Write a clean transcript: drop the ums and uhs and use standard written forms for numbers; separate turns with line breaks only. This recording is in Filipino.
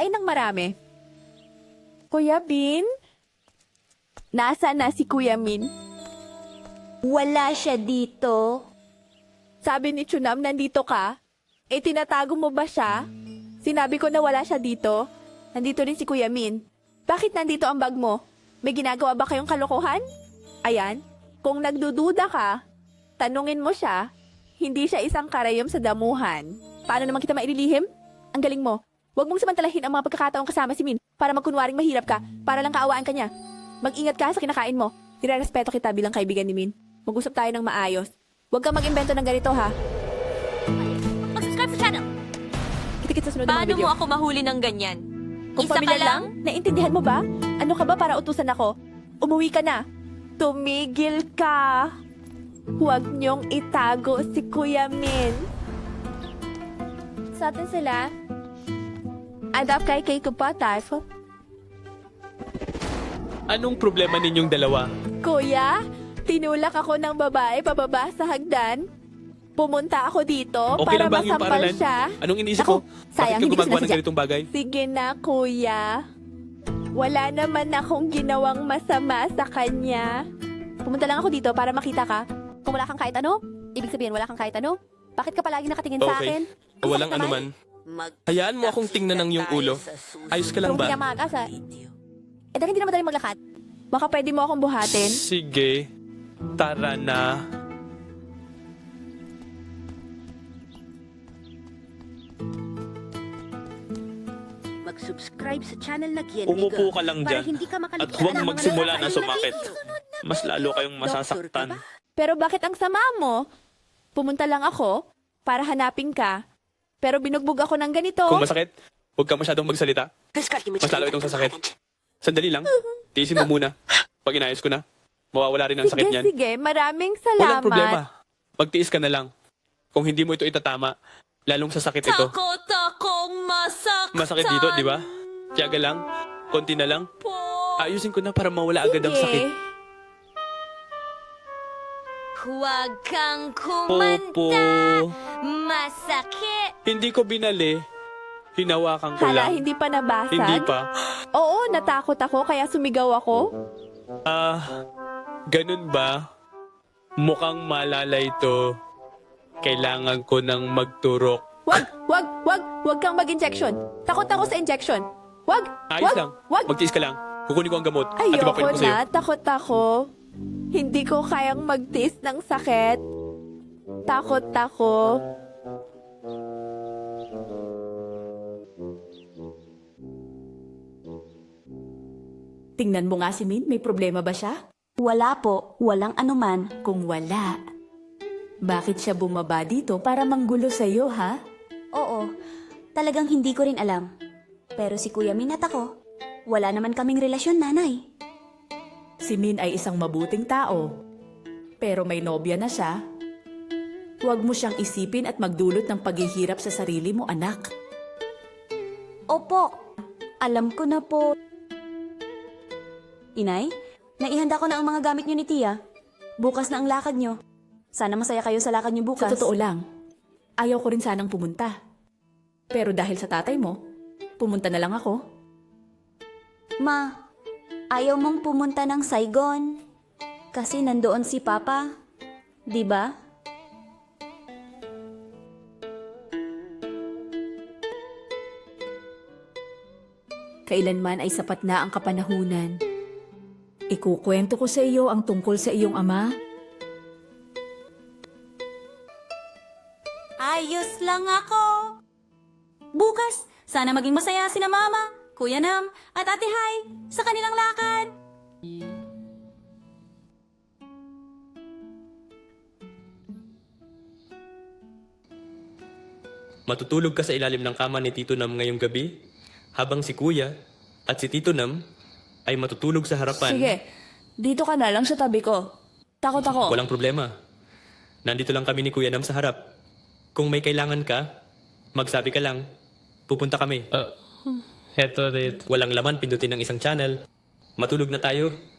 kumain ng marami. Kuya Bin? Nasaan na si Kuya Min?
Wala siya dito.
Sabi ni Chunam, nandito ka? Eh, tinatago mo ba siya? Sinabi ko na wala siya dito. Nandito rin si Kuya Min. Bakit nandito ang bag mo? May ginagawa ba kayong kalokohan? Ayan, kung nagdududa ka, tanungin mo siya, hindi siya isang karayom sa damuhan. Paano naman kita maililihim? Ang galing mo. Huwag mong samantalahin ang mga pagkakataong kasama si Min para magkunwaring mahirap ka, para lang kaawaan ka niya. Mag-ingat ka sa kinakain mo. Nire-respeto kita bilang kaibigan ni Min. Mag-usap tayo ng maayos. Huwag kang mag-imbento ng ganito, ha?
Mag-subscribe sa channel.
Kita-kita sa sunod ng mga
Paano
video.
mo ako mahuli ng ganyan?
Kung
Isa ka
pamilya
lang?
Naintindihan mo ba? Ano ka ba para utusan ako? Umuwi ka na. Tumigil ka. Huwag niyong itago si Kuya Min. Sa atin sila. Adap kay ko pa, Typho.
Anong problema ninyong dalawa?
Kuya, tinulak ako ng babae pababa sa hagdan. Pumunta ako dito
Okay
para
lang ba ang iyong
masampal
paaralan?
siya.
Anong iniisip
Naku,
mo?
sayang,
Bakit ka
hindi ko
gumagawa ng
sinasadya.
ganitong bagay?
Sige na, kuya. Wala naman akong ginawang masama sa kanya. Pumunta lang ako dito para makita ka. Kung wala kang kahit ano, ibig sabihin wala kang kahit ano. Bakit ka palagi nakatingin sa
Okay.
akin? Ang
Walang
sakit naman.
anuman. Hayaan mo akong tingnan ng iyong ulo. Ayos ka lang
Kung
ba?
hindi mag-asa. Eh, dahil hindi na madaling maglakad. Baka pwede mo akong buhatin.
Sige. Tara na.
Mag-subscribe sa channel na Gien
Umupo ka lang
para
dyan
hindi ka
at
makaligtaan
huwag
ng mga
magsimula na
nakakain
sumakit.
video.
Mas lalo kayong
Doktor ka
masasaktan.
ba?
Pero bakit ang sama mo? Pumunta lang ako para hanapin ka. Pero binugbog ako ng ganito.
Kung masakit, huwag ka masyadong magsalita. Mas lalo itong sasakit. Sandali lang. Tiisin mo muna. Pag inayos ko na, mawawala rin ang sakit
Sige,
niyan.
sige. Maraming salamat.
Walang problema. Magtiis ka na lang. Kung hindi mo ito itatama, lalong sasakit ito.
Takot akong masaktan.
Masakit dito, di ba? Tiyaga lang. Konti na lang.
Po.
Ayusin ko na para mawala agad ang
Sige.
sakit.
Huwag kang
Popo.
kumanta. Masakit.
Hindi ko binali. Hinawakan ko
Hala,
lang.
hindi pa nabasag?
Hindi pa.
Oo, natakot ako kaya sumigaw ako.
Ganun ba? Mukhang malala ito. Kailangan ko nang magturok.
Wag kang mag-injection. Takot ako sa injection. Wag,
Ayos
wag,
lang.
wag.
Magtiis ka lang. Kukunin ko ang gamot. At
Ayoko
ipapalit ko sa'yo.
na, takot ako. Hindi ko kayang magtiis ng sakit. Takot ako.
Tingnan mo nga si Min, may problema ba siya?
Wala po, walang anuman.
Kung wala, bakit siya bumaba dito para manggulo sa'yo, ha?
Oo, talagang hindi ko rin alam. Pero si Kuya Min at ako, wala naman kaming relasyon, nanay.
Si Min ay isang mabuting tao. Pero may nobya na siya. Huwag mo siyang isipin at magdulot ng paghihirap sa sarili mo, anak.
Opo, alam ko na po. Inay, naihanda ko na ang mga gamit niyo ni Tia. Bukas na ang lakad niyo. Sana masaya kayo sa lakad niyo bukas.
Sa totoo lang, ayaw ko rin sanang pumunta. Pero dahil sa tatay mo, pumunta na lang ako.
Ma, ayaw mong pumunta ng Saigon. Kasi nandoon si Papa. Di ba?
Kailanman ay sapat na ang kapanahunan. Ikukwento ko sa iyo ang tungkol sa iyong ama.
Ayos lang ako. Bukas, sana maging masaya sina Mama, Kuya Nam, at Ate Hai sa kanilang lakad.
Matutulog ka sa ilalim ng kama ni Tito Nam ngayong gabi, habang si Kuya at si Tito Nam ay matutulog sa harapan.
Sige, dito ka na lang sa tabi ko. Takot ako.
Walang problema. Nandito lang kami ni Kuya Nam sa harap. Kung may kailangan ka, magsabi ka lang. Pupunta kami.
Heto rin.
Walang laman, pindutin ng isang channel. Matulog na tayo.